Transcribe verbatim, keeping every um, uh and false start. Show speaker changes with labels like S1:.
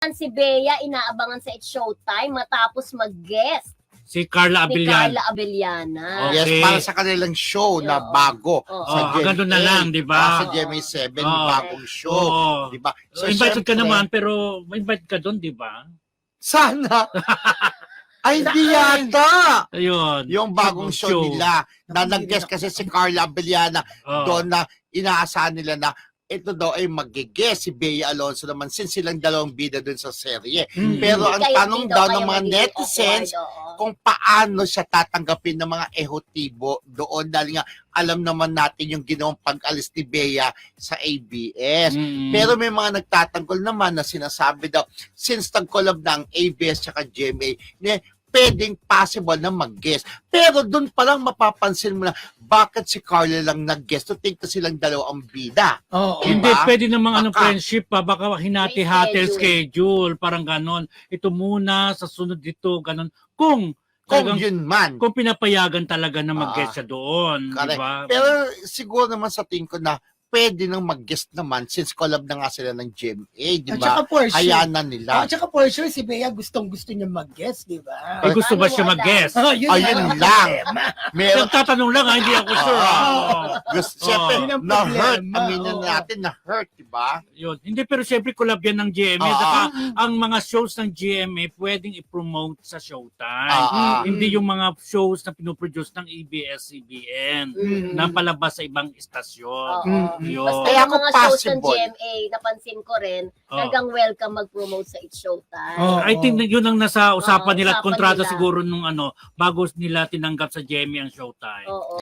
S1: Si Bea inaabangan sa It's Showtime matapos mag-guest
S2: Si Carla
S1: ni
S2: Abellan.
S1: Carla Abellana.
S2: Okay.
S3: Yes, para sa kanilang show na
S1: Oo.
S3: bago.
S1: Oo.
S3: Sa
S2: Oh, ganun na lang, di ba?
S3: Ah, sa G M A seven,
S2: Oo.
S3: bagong show.
S2: Oo.
S3: Di ba?
S2: So, invited ka
S3: syempre,
S2: naman, pero invite ka doon, di ba?
S3: Sana. Ay, hindi yata.
S2: Ayun.
S3: Yung bagong show, nila na nag-guest kasi si Carla Abellana
S2: Oo.
S3: doon na inaasahan nila na ito daw ay mag-guest si Bea Alonzo naman since silang dalawang bida doon sa serye.
S2: Mm.
S3: Pero
S1: Hindi
S3: ang
S1: kayo-
S3: tanong
S1: hindi
S3: daw
S1: kayo
S3: ng mga
S1: magiging
S3: netizens
S1: awkward, oo.
S3: kung paano siya tatanggapin ng mga ehotibo doon dahil nga alam naman natin yung ginawang pag-alis ni Bea sa A B S.
S2: Mm.
S3: Pero may mga nagtatanggol naman na sinasabi daw, since nag-collab na ang A B S at G M A, ne, pwedeng possible na mag-guest. Pero doon pa lang mapapansin mo na bakit si Carla lang nag-guest to think na silang dalawang bida.
S4: Oo.
S3: Diba?
S2: Hindi, pwede namang ano,
S3: Baka.
S2: friendship pa. Baka hinati-hati
S1: May
S2: schedule. Parang ganon. Ito muna, sa sunod dito, ganon. Kung,
S3: Kung
S2: talagang,
S3: yun man.
S2: kung pinapayagan talaga na mag-guest
S3: Ah,
S2: siya doon. Di
S3: correct.
S2: ba?
S3: Pero siguro naman sa tingin ko na pwede nang mag-guest naman since collab na nga sila ng G M A, di
S4: At
S3: ba?
S4: saka for sure.
S3: Hayaan na
S4: Oh,
S3: nila.
S4: at saka for sure, si Bea gustong-gusto niya mag-guest, di ba?
S2: Ay, gusto ba
S1: Paano
S2: siya
S1: mo
S2: mag-guest?
S4: Oh, yun,
S3: Ayun
S4: ang
S3: lang.
S4: problema.
S3: Meron
S2: Nagtatanong lang, ha? Hindi ako sure.
S3: Ah.
S2: Oo.
S3: gusto,
S2: Oo.
S3: siyempre,
S4: Yun ang
S3: na-hurt.
S4: problema.
S3: Aminin
S4: Oo.
S3: natin, na-hurt, di ba?
S2: Yun. Hindi, pero siyempre collab yan ng G M A.
S3: Ah.
S2: Saka ang mga shows ng G M A pwedeng i-promote sa Showtime.
S3: Ah, ah.
S2: Hindi yung mga shows na pinoproduce ng A B S C B N
S4: Mm.
S2: na palabas sa ibang istasyon.
S1: Oo.
S4: Mm.
S2: Yun.
S1: Basta
S3: Kaya
S1: yung
S3: kung
S1: mga shows ng
S3: possible.
S1: G M A, napansin ko rin,
S2: Oo.
S1: talagang welcome mag-promote sa It's Showtime.
S4: Oo.
S2: I think na yun ang nasa usapan
S1: Oo,
S2: nila at
S1: usapan
S2: kontrata
S1: nila.
S2: siguro nung ano, bago nila tinanggap sa G M A ang Showtime.
S1: Oo.